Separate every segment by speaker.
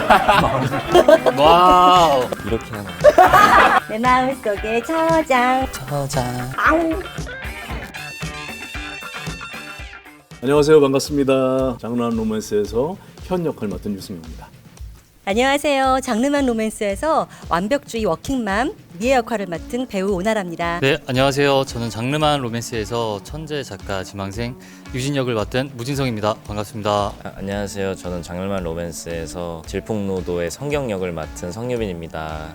Speaker 1: 와우. 이렇게 하는
Speaker 2: 내 마음속에 저장. 아우.
Speaker 3: 안녕하세요. 반갑습니다. 장르한 로맨스에서 현 역할 맡은 유승용입니다.
Speaker 2: 안녕하세요. 장르만 로맨스에서 완벽주의 워킹맘 미애 역할을 맡은 배우 오나라입니다.
Speaker 1: 네, 안녕하세요. 저는 장르만 로맨스에서 천재 작가 지망생 유진 역을 맡은 무진성입니다. 반갑습니다.
Speaker 4: 안녕하세요. 저는 장르만 로맨스에서 질풍노도의 성경 역을 맡은 성유빈입니다.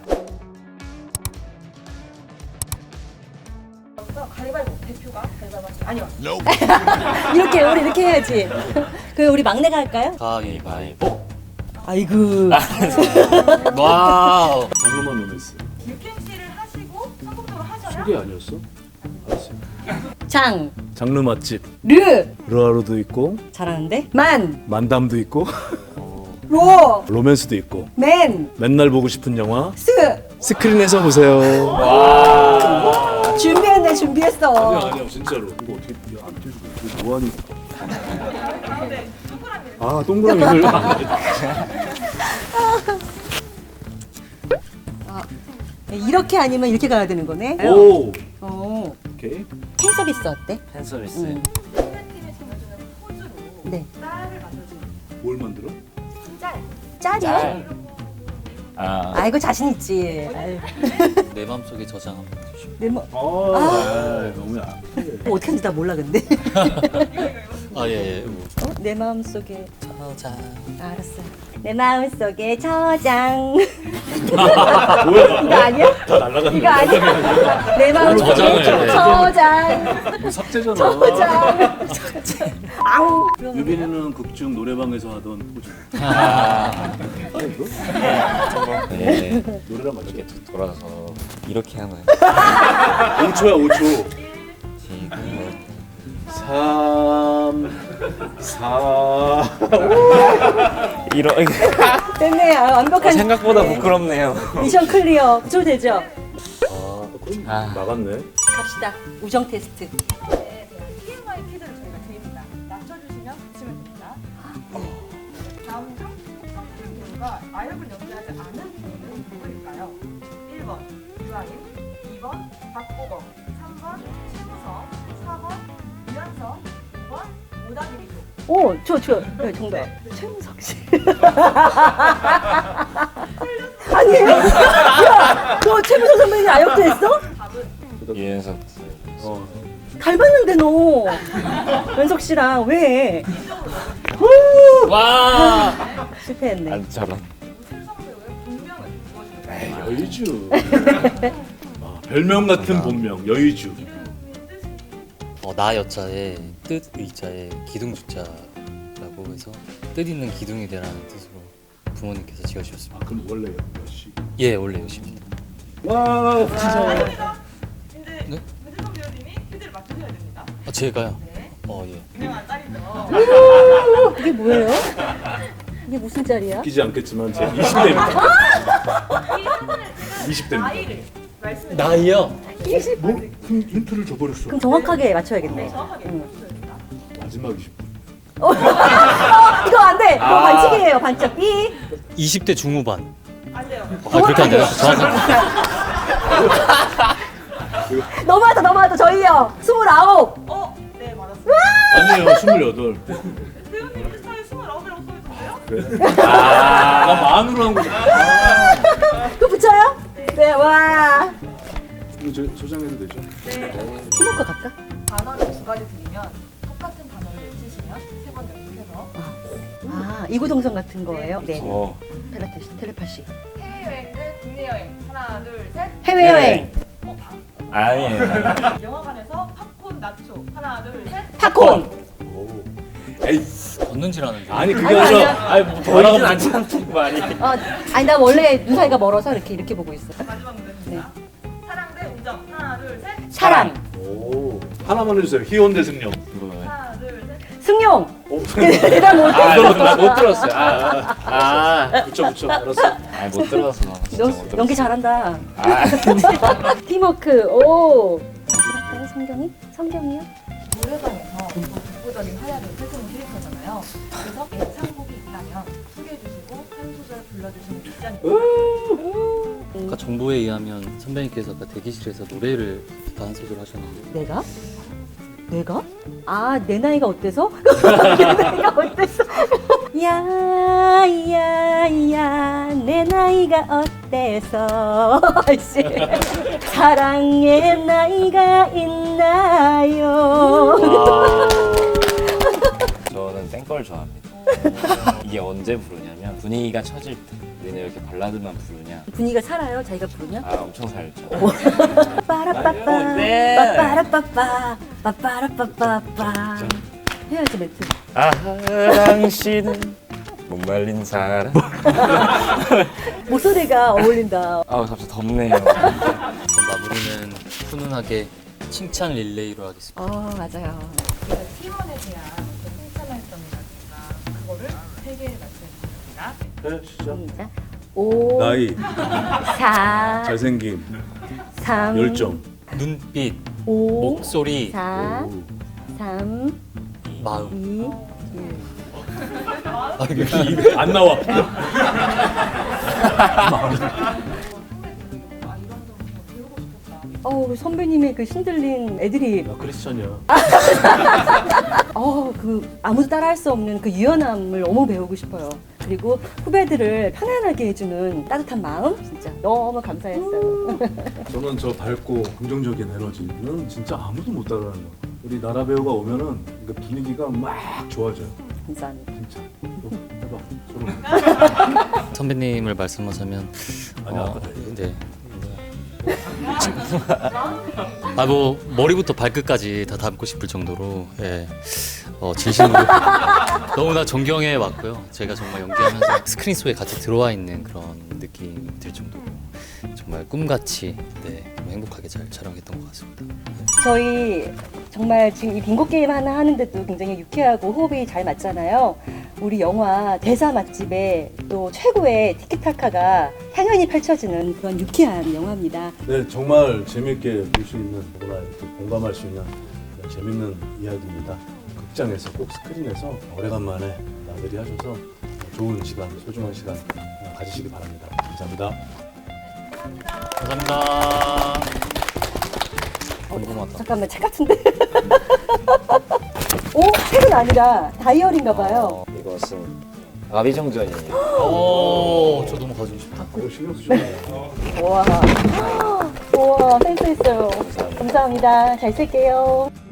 Speaker 2: 가위바위보 대표가 가위바위보 아니요. 이렇게 우리 이렇게 해야지. 그 우리 막내가 할까요?
Speaker 1: 가위바위보.
Speaker 2: 아이고.
Speaker 1: 와우.
Speaker 3: 장르만 로맨스.
Speaker 5: UMC를 하시고 성공적으로 하셔야
Speaker 3: 소개 아니었어? 알았어요.
Speaker 2: 장,
Speaker 3: 장르 맛집.
Speaker 2: 르
Speaker 3: 르하루도 있고
Speaker 2: 잘하는데? 만,
Speaker 3: 만담도 있고
Speaker 2: 로,
Speaker 3: 로맨스도 있고
Speaker 2: 맨,
Speaker 3: 맨날 보고 싶은 영화
Speaker 2: 스.
Speaker 3: 스크린에서 보세요.
Speaker 2: 준비했네, 준비했어.
Speaker 3: 아니야 진짜로. 이거 어떻게 안 띄우고 이거 뭐하니? 아 동그라미를.
Speaker 2: 이렇게 아니면 이렇게 가야 되는 거네.
Speaker 3: 오.
Speaker 2: 어.
Speaker 3: 오케이.
Speaker 2: 팬 서비스 어때?
Speaker 4: 팬 서비스.
Speaker 5: 팀에 정해주는 포즈로
Speaker 2: 네.
Speaker 5: 짤을 만들어주는
Speaker 3: 뭘 만들어?
Speaker 5: 짤.
Speaker 2: 짤이야. 아이고 자신 있지. 아유.
Speaker 1: 내 맘속에 저장 한번 해주시고.
Speaker 2: 내 뭐,
Speaker 3: 너무 약.
Speaker 2: 어떻게 하는지 다 몰라 근데.
Speaker 1: 아, 예, 예.
Speaker 2: 내 마음 속에
Speaker 1: 저장.
Speaker 2: 알았어요. 내 마음 속에 저장.
Speaker 3: 뭐야?
Speaker 2: 이거 아니야?
Speaker 3: 다 날라갔네.
Speaker 2: 이거 아니야? 내 마음 속에
Speaker 1: 저장을 해.
Speaker 2: 저장.
Speaker 3: 이거 삭제잖아.
Speaker 2: 저장. 아우.
Speaker 3: 유빈이는 극중 노래방에서 하던 포즈. 이거?
Speaker 4: 네.
Speaker 3: 노래랑 맞게.
Speaker 4: 이렇게 돌아서 이렇게 하나요?
Speaker 3: 5초야 5초.
Speaker 4: 지금
Speaker 3: 3 4
Speaker 4: 이런
Speaker 2: 됐네. 아, 완벽한
Speaker 4: 생각보다 부끄럽네요.
Speaker 2: 미션 클리어. 줄 되죠?
Speaker 3: 그럼 나갔네.
Speaker 2: 갑시다. 우정 테스트.
Speaker 5: 네, TMI 퀴즈를 저희가 드립니다. 맞춰주시면 붙이면 됩니다. 다음 중 성필 배우가 아역을 연기하지 않은 배우는 누구일까요? 1번 유아인, 2번 박보검, 3번 최무성, 4번 유연석, 5번 오다기리조.
Speaker 2: 오, 네, 정답. 최무석 씨. 아니에요? 야, 너 최무석 선배님 아역도 했어?
Speaker 4: 유연석.
Speaker 2: 닮았는데 너. 연석 씨랑 왜?
Speaker 1: 와.
Speaker 2: 실패했네.
Speaker 4: 안처럼.
Speaker 5: 최무성 배우의 본명은 무엇일까요?
Speaker 3: 여의주. 별명 같은 본명 여의주.
Speaker 1: 나 여자에 뜻 의자에 기둥 주자라고 해서 뜻 있는 기둥이 되라는 뜻으로 부모님께서 지어주셨습니다.
Speaker 3: 그럼 원래 몇시?
Speaker 1: 예, 원래 여십니다.
Speaker 3: 와 진짜.
Speaker 5: 아닙니다. 이제
Speaker 1: 네?
Speaker 5: 문세성 배우님이 퀴즈를 맞추셔야 됩니다.
Speaker 1: 아, 제가요?
Speaker 5: 네.
Speaker 1: 예.
Speaker 5: 유명한 짤이죠.
Speaker 2: 이게 뭐예요? 이게 무슨 짤이야?
Speaker 3: 웃기지 않겠지만 제 20대입니다.
Speaker 5: 이 사진을 지금
Speaker 3: 20대입니다.
Speaker 5: 나이를 말씀해
Speaker 1: 나이요?
Speaker 3: 뭐? 힌트를 줘버렸어.
Speaker 2: 그럼 정확하게 맞춰야겠네.
Speaker 5: 정확하게 맞춰주셔야 됩니다.
Speaker 3: 마지막 20분.
Speaker 2: 이거 안 돼. 이거 반칙이에요. 반칙. 삐.
Speaker 1: 20대 중후반.
Speaker 5: 안 돼요.
Speaker 1: 그렇게 안 되나? 정확한.
Speaker 2: 넘어왔다. 저희요. 29.
Speaker 5: 네 맞았습니다.
Speaker 3: 아니에요 28.
Speaker 5: 배우님 인스타에 29이라고 써있던데요?
Speaker 3: 그래? 나 만으로 한 거잖아.
Speaker 2: 그거 붙여요? 네, 와.
Speaker 3: 이거 저 소장해도 되죠?
Speaker 2: 팀워크 갈까?
Speaker 5: 단어를 두 가지 드리면 똑같은 단어를 외치시면 세 번 연습해서
Speaker 2: 아, 이구동성 같은 거예요? 네.
Speaker 4: 어.
Speaker 2: 텔레파시.
Speaker 5: 해외여행 대 국내 여행 하나 둘 셋.
Speaker 2: 해외여행.
Speaker 4: 아니에요.
Speaker 5: 영화관에서 팝콘 나초 하나 둘 셋.
Speaker 2: 팝콘.
Speaker 3: 에이
Speaker 1: 걷는지라는 줄.
Speaker 3: 아니 그게
Speaker 2: 아니,
Speaker 3: 아니라
Speaker 2: 아니야.
Speaker 3: 아니 뭐
Speaker 4: 보이진 않잖아 말이.
Speaker 2: 아니 나 원래 눈 사이가 멀어서 이렇게 보고 있어.
Speaker 5: 마지막 문제입니다. 사랑 대 우정 하나 둘 셋.
Speaker 2: 사랑.
Speaker 3: 오 하나만 해주세요. 희원 대승령.
Speaker 5: 하나 둘 셋.
Speaker 2: 승용.
Speaker 3: 오,
Speaker 2: 대단 못.
Speaker 4: 못 들었어요.
Speaker 3: 붙여 알았어.
Speaker 4: 못 들어서.
Speaker 2: 너 연기 잘한다.
Speaker 4: 아.
Speaker 2: 팀워크. 오. 할까요, 성경이요?
Speaker 5: 노래방에서 독보적인 활약을 펼치는 캐릭터잖아요. 그래서 애창곡이 있다면 소개해 주시고 한 소절 불러 불러주시는 빅전입니다.
Speaker 1: 아까 정보에 의하면 선배님께서 아까 대기실에서 노래를 한 소절 하셨는데
Speaker 2: 내가? 아, 내 나이가 어때서? 내 나이가 어때서? 야, 내 나이가 어때서? 씨. 사랑의 나이가 있나요?
Speaker 4: 저는 땡걸 좋아합니다. 이게 언제 부르냐면 분위기가 처질 때. 우리는 이렇게 발라드만 부르냐?
Speaker 2: 분위기가 살아요? 자기가 부르면?
Speaker 4: 아 엄청 살죠.
Speaker 2: 빠라빠빠,
Speaker 4: 네.
Speaker 2: 빠빠라빠빠, 빠빠라빠빠빠. 해야지, 멘트.
Speaker 4: 아 당신은 목말린 사람.
Speaker 2: 목소리가 어울린다.
Speaker 4: 아 갑자기 덥네요.
Speaker 1: 그럼 마무리는 훈훈하게 칭찬 릴레이로 하겠습니다.
Speaker 2: 맞아요.
Speaker 5: 우리가 팀원에 대한 칭찬할 점이라든가 그거를 3개 말씀해주셨습니다.
Speaker 3: 네, 시작.
Speaker 2: 시작. 5,
Speaker 3: 나이,
Speaker 2: 4,
Speaker 3: 잘생김,
Speaker 2: 3,
Speaker 3: 열정.
Speaker 1: 눈빛,
Speaker 2: 5,
Speaker 1: 목소리,
Speaker 2: 4, 3,
Speaker 1: 마음.
Speaker 2: 2, 1.
Speaker 1: 아, 이게
Speaker 3: 안 나와.
Speaker 2: 선배님의 그 신들린 애드립.
Speaker 3: 나 크리스천이야.
Speaker 2: 그 아무도 따라할 수 없는 그 유연함을 너무 배우고 싶어요. 그리고 후배들을 편안하게 해주는 따뜻한 마음 진짜 너무 감사했어요.
Speaker 3: 저는 저 밝고 긍정적인 에너지는 진짜 아무도 못 따라하는 거. 우리 나라 배우가 오면은 그 분위기가 막 좋아져요.
Speaker 2: 감사합니다.
Speaker 3: 진짜. 또 해봐. 서로.
Speaker 1: 선배님을 말씀하자면
Speaker 3: 아니, 아까
Speaker 1: 네. 아, 뭐 머리부터 발끝까지 다 담고 싶을 정도로 예. 진심으로 너무나 존경해 왔고요. 제가 정말 연기하면서 스크린 속에 같이 들어와 있는 그런 느낌이 들 정도로 정말 꿈같이 너무 행복하게 잘 촬영했던 것 같습니다.
Speaker 2: 저희 정말 지금 이 빙고 게임 하나 하는데도 굉장히 유쾌하고 호흡이 잘 맞잖아요. 우리 영화 대사 맛집에 또 최고의 티키타카가 향연이 펼쳐지는 그런 유쾌한 영화입니다.
Speaker 3: 네, 정말 재밌게 볼 수 있는, 누구나 이렇게 공감할 수 있는 그런 재밌는 이야기입니다. 극장에서 꼭 스크린에서 오래간만에 나들이 하셔서 좋은 시간, 소중한 시간 가지시기 바랍니다. 감사합니다.
Speaker 1: 감사합니다. 궁금하다.
Speaker 2: 잠깐만, 책 같은데? 오, 책은 아니라 다이어리인가 봐요.
Speaker 4: 이것은 아비정전이에요.
Speaker 1: 저 너무 가지고 싶다.
Speaker 3: 그거 신경 쓰시네요.
Speaker 2: 우와, 센스 있어요. 감사합니다. 잘 쓸게요.